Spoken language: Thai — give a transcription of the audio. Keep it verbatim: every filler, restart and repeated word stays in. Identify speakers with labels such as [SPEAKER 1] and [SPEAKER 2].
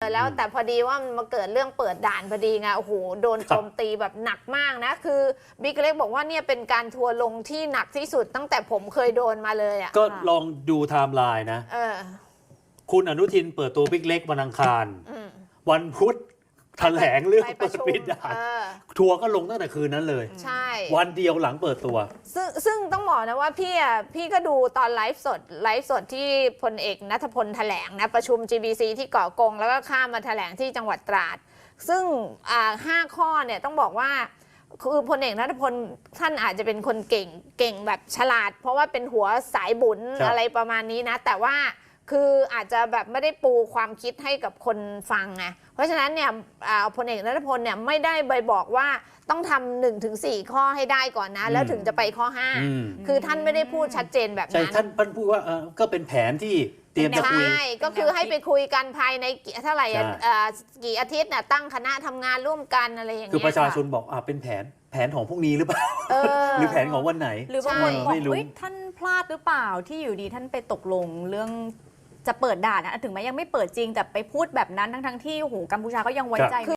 [SPEAKER 1] แล้วแต่พอดีว่ามันมาเกิดเรื่องเปิดด่านพอดีไงโอ้โหโดนโจมตีแบบหนักมากนะคือบิ๊กเล็กบอกว่าเนี่ยเป็นการทัวร์ลงที่หนักที่สุดตั้งแต่ผมเคยโดนมาเลยอ่ะ
[SPEAKER 2] ก็ลองดูไทม์ไลน์นะคุณอนุทินเปิดตัวบิ๊กเล็กวันอังคารวันพุธแถลงเรื่องเปิดปิดด่านทัวร์ก็ลงตั้งแต่คืนนั้นเลย
[SPEAKER 1] ใช่
[SPEAKER 2] วันเดียวหลังเปิดตัว
[SPEAKER 1] ซึ่งซึ่งต้องบอกนะว่าพี่อ่ะพี่ก็ดูตอนไลฟ์สดไลฟ์สดที่พลเอกณัฐพลแถลงนะประชุม จี บี ซี ที่เกาะกงแล้วก็ข้ามมาแถลงที่จังหวัดตราดซึ่งอ่าห้าข้อเนี่ยต้องบอกว่าคือพลเอกณัฐพลท่านอาจจะเป็นคนเก่งเก่งแบบฉลาดเพราะว่าเป็นหัวสายบุญอะไรประมาณนี้นะแต่ว่าคืออาจจะแบบไม่ได้ปูความคิดให้กับคนฟังไงเพราะฉะนั้นเนี่ยพลเอกณัฐพลเนี่ยไม่ได้ใบบอกว่าต้องทำหนึ่งถึงสี่ข้อให้ได้ก่อนนะแล้วถึงจะไปข้อห้าคือท่านไม่ได้พูดชัดเจนแบบนั้น
[SPEAKER 2] ใช่ท่านท่านพูดว่าเออก็เป็นแผนที่เตรียมจะคุย
[SPEAKER 1] ใช่ก็คือให้ไปคุยกันภายในเท่าไหร่กี่อาทิตย์น่ะตั้งคณะทำงานร่วมกันอะไรอย่างเงี้ย
[SPEAKER 2] คือประชาชนบอกอ่าเป็นแผนแผนของพรุ่งนี้หรือเปล่าหรือแผนของวันไหน
[SPEAKER 3] หรือบางคนบอกเฮ้ยท่านพลาดหรือเปล่าที่อยู่ดีท่านไปตกลงเรื่องจะเปิดด่านนะถึงแม้ยังไม่เปิดจริงแต่ไปพูดแบบนั้นทั้งๆที่โอ้โหกัมพูชาก็ยังไว้ใจ